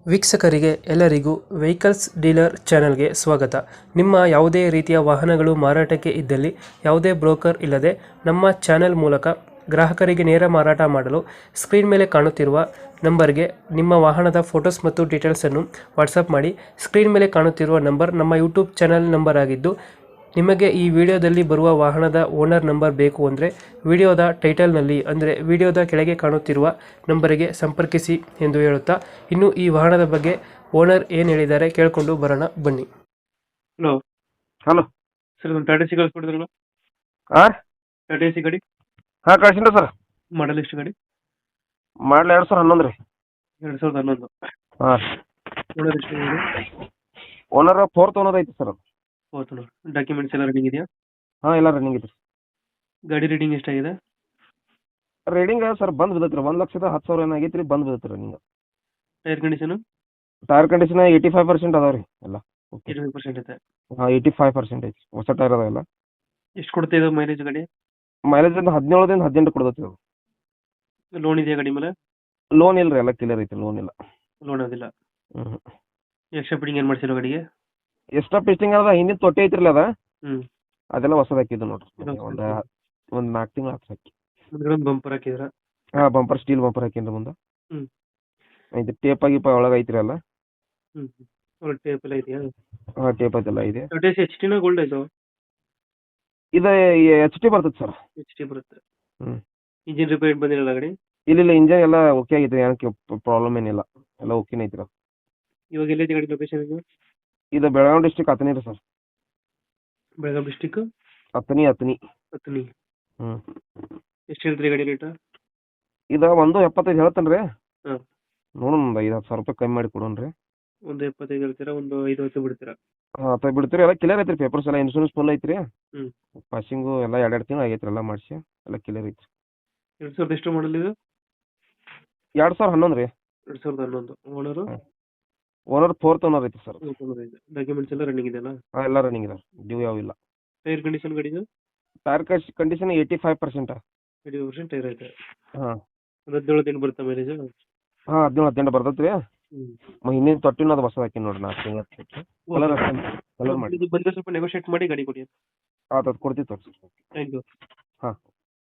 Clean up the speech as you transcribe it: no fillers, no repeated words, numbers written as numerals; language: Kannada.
ವೀಕ್ಷಕರಿಗೆ ಎಲ್ಲರಿಗೂ ವೆಹಿಕಲ್ಸ್ ಡೀಲರ್ ಚಾನೆಲ್ಗೆ ಸ್ವಾಗತ. ನಿಮ್ಮ ಯಾವುದೇ ರೀತಿಯ ವಾಹನಗಳು ಮಾರಾಟಕ್ಕೆ ಇದ್ದಲ್ಲಿ ಯಾವುದೇ ಬ್ರೋಕರ್ ಇಲ್ಲದೆ ನಮ್ಮ ಚಾನೆಲ್ ಮೂಲಕ ಗ್ರಾಹಕರಿಗೆ ನೇರ ಮಾರಾಟ ಮಾಡಲು ಸ್ಕ್ರೀನ್ ಮೇಲೆ ಕಾಣುತ್ತಿರುವ ನಂಬರ್ಗೆ ನಿಮ್ಮ ವಾಹನದ ಫೋಟೋಸ್ ಮತ್ತು ಡೀಟೇಲ್ಸನ್ನು ವಾಟ್ಸಪ್ ಮಾಡಿ. ಸ್ಕ್ರೀನ್ ಮೇಲೆ ಕಾಣುತ್ತಿರುವ ನಂಬರ್ ನಮ್ಮ ಯೂಟ್ಯೂಬ್ ಚಾನೆಲ್ ನಂಬರ್ ಆಗಿದ್ದು, ನಿಮಗೆ ಈ ವಿಡಿಯೋದಲ್ಲಿ ಬರುವ ವಾಹನದ ಓನರ್ ನಂಬರ್ ಬೇಕು ಅಂದರೆ ವಿಡಿಯೋದ ಟೈಟಲ್ನಲ್ಲಿ ಅಂದರೆ ವಿಡಿಯೋದ ಕೆಳಗೆ ಕಾಣುತ್ತಿರುವ ನಂಬರಿಗೆ ಸಂಪರ್ಕಿಸಿ ಎಂದು ಹೇಳುತ್ತಾ, ಇನ್ನು ಈ ವಾಹನದ ಬಗ್ಗೆ ಓನರ್ ಏನು ಹೇಳಿದ್ದಾರೆ ಕೇಳಿಕೊಂಡು ಬರೋಣ ಬನ್ನಿ. ಹಲೋ ಹಲೋ ಸರ್, ಒಂದು ಟಾಟಾ ಸಿ ಕಳಿಸ್ಕೊಡಿದ್ರಲ್ಲ, ಹಾಂ ಟಾಟಾ ಸಿ ಗಾಡಿ ಹಾಂ ಕಳ್ಸಿನಿ ಸರ್. ಮಾಡಲ್ ಎಷ್ಟು ಗಾಡಿ? ಮಾಡಲಿ 2011 ರೀ. 2011. ಹಾಂ ಓನರ್ ಎಷ್ಟು ಗಾಡಿ? ಓನರ್ 4th ಓನರ್ ಐತಿ ಸರ್. ಹೌದು. ಡಾಕ್ಯುಮೆಂಟ್ಸ್ ಎಲ್ಲ ರನ್ನಿಂಗ್ ಇದೆಯಾ? ಹಾಂ ಎಲ್ಲ ರನ್ನಿಂಗ್ ಐತಿ. ಗಾಡಿ ರೀಡಿಂಗ್ ಎಷ್ಟಾಗಿದೆ? ರೀಡಿಂಗ್ ಸರ್ ಬಂದ್ ಬಿದ್ದೈತಿ ರೀ, 1,10,000 ಏನಾಗೈತಿ ರೀ, ಬಂದ್ ಬಿದ್ದೈತಿ running. Tyre condition tyre condition 85% ಅದಾವ ರೀ ಎಲ್ಲ. ಓಕೆ 25% ಐತೆ. ಹಾಂ 85% ಐತಿ, ಹೊಸ ಟೈರ್ ಅದಾವ ಎಲ್ಲ. ಎಷ್ಟು ಕೊಡ್ತಾ ಇದೆ ಮೈಲೇಜ್ ಗಾಡಿ? ಮೈಲೇಜ್ 17ದಿಂದ 18 ಕೊಡ್ತೈತಿ ಅದು. ಲೋನ್ ಇದೆಯಾ ಗಾಡಿ ಮೇಲೆ? ಲೋನ್ ಇಲ್ಲ ರೀ, ಎಲ್ಲ ಕ್ಲಿಯರ್ ಐತಿ, ಲೋನ್ ಇಲ್ಲ. ಲೋನ್ ಅದಿಲ್ಲ. ಹ್ಞೂ ಎಕ್ಸ್ಟ್ರಾ ಫಿಟ್ಟಿಂಗ್ ಏನು ಮಾಡಿಸಿರೋ ಗಾಡಿಗೆ? ಎಕ್ಸ್ಟ್ರಾ ಪಿಸ್ಟಿಂಗ್ ಅದ, ಹಿಂದಿನ ತೊಟ್ಟಿ ಐತ್ರಿ ಅದ, ಹ್ಞೂ. ಅದೆಲ್ಲ ಹೊಸದು ಹಾಕಿದ್ದು ನೋಡ್ರಿ. ಇದು ಒಂದು 4 ತಿಂಗಳು ಆತು ಹಾಕಿ. ಮುಂದ್ಗಡೆ ಒಂದು ಬಂಪರ್ ಹಾಕಿದ್ರ? ಹಾಂ ಬಂಪರ್, ಸ್ಟೀಲ್ ಬಂಪರ್ ಹಾಕಿನ್ರಿ ಮುಂದೆ. ಹ್ಞೂ. ಇದು ಟೇಪ್ ಗೀಪ ಒಳಗೆ ಐತ್ರಿ ಎಲ್ಲ. ಹ್ಞೂ ಒಳ್ಳೆ ಟೇಪ್ ಎಲ್ಲ ಇದೆಯಾ? ಹಾಂ ಟೇಪ್ ಅದೆಲ್ಲ ಇದೆ. ಟಾಟಾ ಸಿ ಎಚ್ ಟಿನ ಗೋಲ್ಡ್ ಇದು? ಇದು ಎಚ್ ಟಿ ಬರ್ತದೆ ಸರ್. ಎಚ್ ಟಿ ಬರುತ್ತೆ. ಹ್ಞೂ ಇಂಜಿನ್ ರಿಪೇರ್ ಬಂದಿರಲ್ಲ ಗಾಡಿ? ಇಲ್ಲ ಇಂಜನ್ ಎಲ್ಲ ಓಕೆ ಆಗೈತೆ, ಏನಕ್ಕೆ ಪ್ರಾಬ್ಲಮ್ ಏನಿಲ್ಲ, ಎಲ್ಲ ಓಕೆನೇ ಐತ್ರಿ. ಇವಾಗ ಎಲ್ಲೈತೆ ಗಾಡಿ ಲೊಕೇಶನ್? ಇದು ಬೆಳಗಾವಿ ಡಿಸ್ಟಿಕ್ ಹತ್ತನಿ ರೀ ಸರ್. ಬೆಳಗಾವಿ ಡಿಸ್ಟಿಕ್ ಹತ್ತನಿ. ಹತ್ತನಿ. ಹ್ಞೂ ಎಷ್ಟು ಹೇಳ್ತೀರಿ ಗಾಡಿ ರೇಟ್? ಇದು 1.75 ಹೇಳ್ತೇನೆ ರೀ. ಹಾಂ. ನೋಡೋಣ ಒಂದು 5,000 ರೂಪಾಯಿ ಕಮ್ಮಿ ಮಾಡಿ ಕೊಡೋಣ ರೀ. ಒಂದು 75 ಹೇಳ್ತೀರಾ, ಒಂದು 5 ಬಿಡ್ತೀರಾ? ಹಾಂ ಅಥವಾ ಬಿಡ್ತೀರಿ, ಎಲ್ಲ ಕ್ಲಿಯರ್ ಐತ್ರಿ, ಪೇಪರ್ಸ್ ಎಲ್ಲ ಇನ್ಶೂರೆನ್ಸ್ ಫುಲ್ ಐತ್ರಿ. ಹ್ಞೂ. ಪಾಸಿಂಗು ಎಲ್ಲ 2 ತಿಂಗಳು ಆಗೈತ್ರಿ, ಎಲ್ಲ ಮಾಡಿಸಿ ಎಲ್ಲ ಕ್ಲಿಯರ್ ಐತ್ರಿ. 2000 ಎಷ್ಟು ಮಾಡಲ್ ಇದು? 2011 ರೀ. 2011. ಓನರು? ಓನರ್ 4th ಓನರ್ ಐತಿ ಸರ್. ಡಾಕ್ಯುಮೆಂಟ್ಸ್ ಎಲ್ಲ ರನ್ನಿಂಗ್ ಇದೆಯಲ್ಲ? ಹಾಂ ಎಲ್ಲ ರನ್ನಿಂಗ್ ಇದೆ, ಡ್ಯೂ ಯಾವ ಇಲ್ಲ. ಟೈರ್ ಕಂಡೀಷನ್ ಗಾಡಿದು? Tyre condition 85%. 80% ಟೈರ್ ಐತೆ. ಹಾಂ 17 ಬರುತ್ತೆ ಮೈಲೇಜ್? ಹಾಂ 17-18 ಬರ್ತೈತೆ ರೀ. ಹ್ಞೂ. ಹಿಂದಿನ ತೊಟ್ಟಿನ ಅದು ಹೊಸ ಹಾಕಿ ನೋಡ್ರಿ, 4 ತಿಂಗಳು ಕಲರ್ ಮಾಡಿ. ಬಂದರೆ ಸ್ವಲ್ಪ ನೆಗೋಷಿಯೇಟ್ ಮಾಡಿ ಗಾಡಿ ಕೊಡಿ. ಅದು ಕೊಡ್ತೀವಿ ತೋರಿಸಿ. Thank you. ಹಾಂ.